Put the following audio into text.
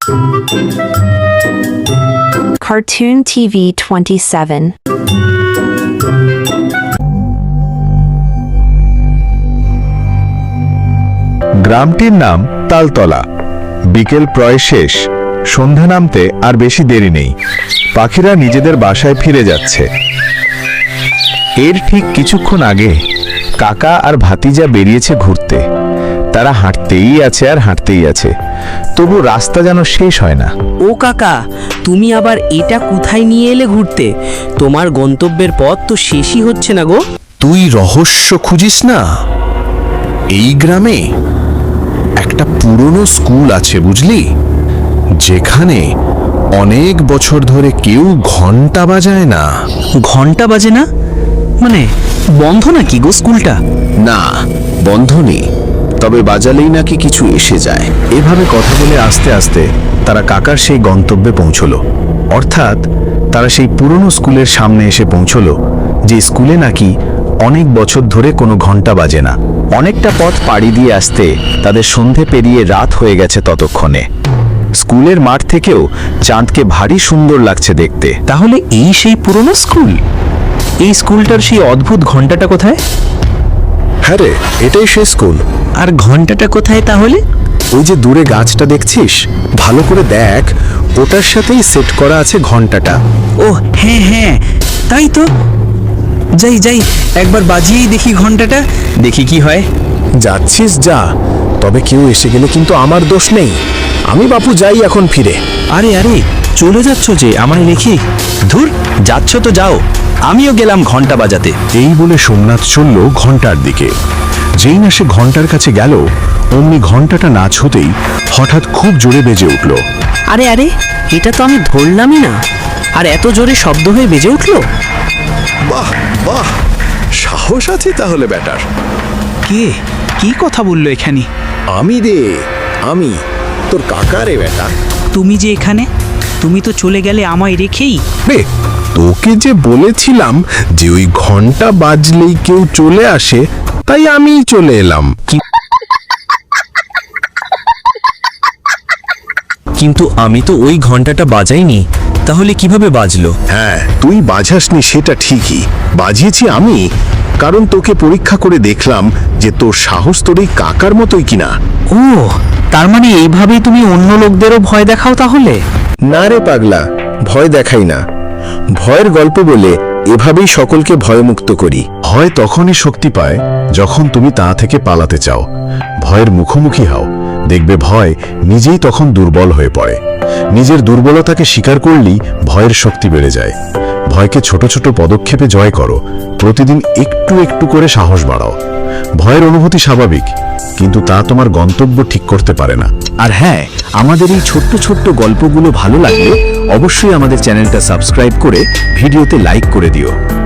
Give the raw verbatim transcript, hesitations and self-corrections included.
Cartoon T V twenty-seven. গ্রামটির নাম তালতলা। বিকেল প্রায় শেষ, সন্ধ্যা নামতে আর বেশি দেরি নেই। পাখিরা নিজেদের বাসায় ফিরে যাচ্ছে। এর ঠিক কিছুক্ষণ আগে কাকা আর ভাতিজা বেরিয়েছে ঘুরতে। তারা হাঁটতেই আছে আর হাঁটতেই আছে, তবু রাস্তা যেন শেষ হয় না। ও কাকা, তুমি আবার এটা কোথায় নিয়ে এলে ঘুরতে? তোমার গন্তব্যের পথ তো শেষই হচ্ছে না গো। তুই রহস্য খুঁজিস না? এই গ্রামে একটা পুরনো স্কুল আছে বুঝলি, যেখানে অনেক বছর ধরে কেউ ঘন্টা বাজায় না। ঘন্টা বাজে না মানে বন্ধ নাকি গো স্কুলটা? না, বন্ধ নেই, তবে বাজালেই নাকি কিছু এসে যায়। এভাবে কথা বলে আস্তে আস্তে তারা কাকার সেই গন্তব্যে পৌঁছলো। অর্থাৎ তারা সেই পুরনো স্কুলের সামনে এসে পৌঁছলো, যে স্কুলে নাকি অনেক বছর ধরে কোনো ঘন্টা বাজে না। অনেকটা পথ পাড়ি দিয়ে আসতে তাদের সন্ধে পেরিয়ে রাত হয়ে গেছে ততক্ষণে। স্কুলের মাঠ থেকেও চাঁদকে ভারী সুন্দর লাগছে দেখতে। তাহলে এই সেই পুরনো স্কুল? এই স্কুলটার সেই অদ্ভুত ঘন্টাটা কোথায়? হ্যাঁ রে, এটাই সেই স্কুল। আর ঘন্টাটা কোথায় তাহলে? ওই যে দূরে গাছটা দেখছিস, ভালো করে দেখ, ওটার সাথেই সেট করা আছে ঘন্টাটা। ও হ্যাঁ হ্যাঁ, তাই তো। যাই যাই, একবার বাজিয়েই দেখি ঘন্টাটা, দেখি কি হয়। যাচ্ছিস যা, তবে কেউ এসে গেলে কিন্তু আমার দোষ নেই। আমি বাপু যাই এখন ফিরে। আরে আরে, চলে যাচ্ছ যে, আমায় রেখে? ধুর, যাচ্ছ তো যাও, আমিও গেলাম ঘন্টা বাজাতে। এই বলে সোমনাথ চলল ঘন্টার দিকে। যেই না সে ঘন্টার কাছে গেল, অমনি ঘন্টাটা না ছুতেই হঠাৎ খুব জোরে বেজে উঠল। আরে আরে, এটা তো আমি ধরলামই না, আর এত জোরে শব্দ হয়ে বেজে উঠলো। বাহ বাহ, সাহস আছে তাহলে ব্যাটার। কে কি কথা বললো এখানে? আমি রে, আমি তোর কাকা রে বেটা। তুমি যে এখানে, তুমি তো চলে গেলে আমায় রেখেই। রে, তোকে যে বলেছিলাম যে ওই ঘন্টা বাজলেই কেউ চলে আসে, তাই আমি চলে এলাম। কিন্তু আমি তো ওই ঘন্টাটা বাজাইনি, তাহলে কিভাবে বাজলো? হ্যাঁ, তুই বাজাসনি সেটা ঠিকই, বাজিয়েছি আমি, কারণ তোকে পরীক্ষা করে দেখলাম যে তোর সাহস তোর এই কাকার মতোই কিনা। ও, তার মানে এইভাবেই তুমি অন্য লোকদেরও ভয় দেখাও তাহলে? না রে পাগলা, ভয় দেখাই না। ভয়ের গল্প বলে এভাবেই সকলকে ভয়মুক্ত করি। ভয় তখনই শক্তি পায় যখন তুমি তা থেকে পালাতে চাও। ভয়ের মুখোমুখি হও, দেখবে ভয় নিজেই তখন দুর্বল হয়ে পড়ে। নিজের দুর্বলতাকে স্বীকার করলেই ভয়ের শক্তি বেড়ে যায়। ভয়কে ছোট ছোট পদক্ষেপে জয় করো, প্রতিদিন একটু একটু করে সাহস বাড়াও। ভয়ের অনুভূতি স্বাভাবিক, কিন্তু তা তোমার গন্তব্য ঠিক করতে পারে না। আর হ্যাঁ, আমাদের এই ছোট্ট ছোট্ট গল্পগুলো ভালো লাগলে অবশ্যই আমাদের চ্যানেলটা সাবস্ক্রাইব করে ভিডিওতে লাইক করে দিও।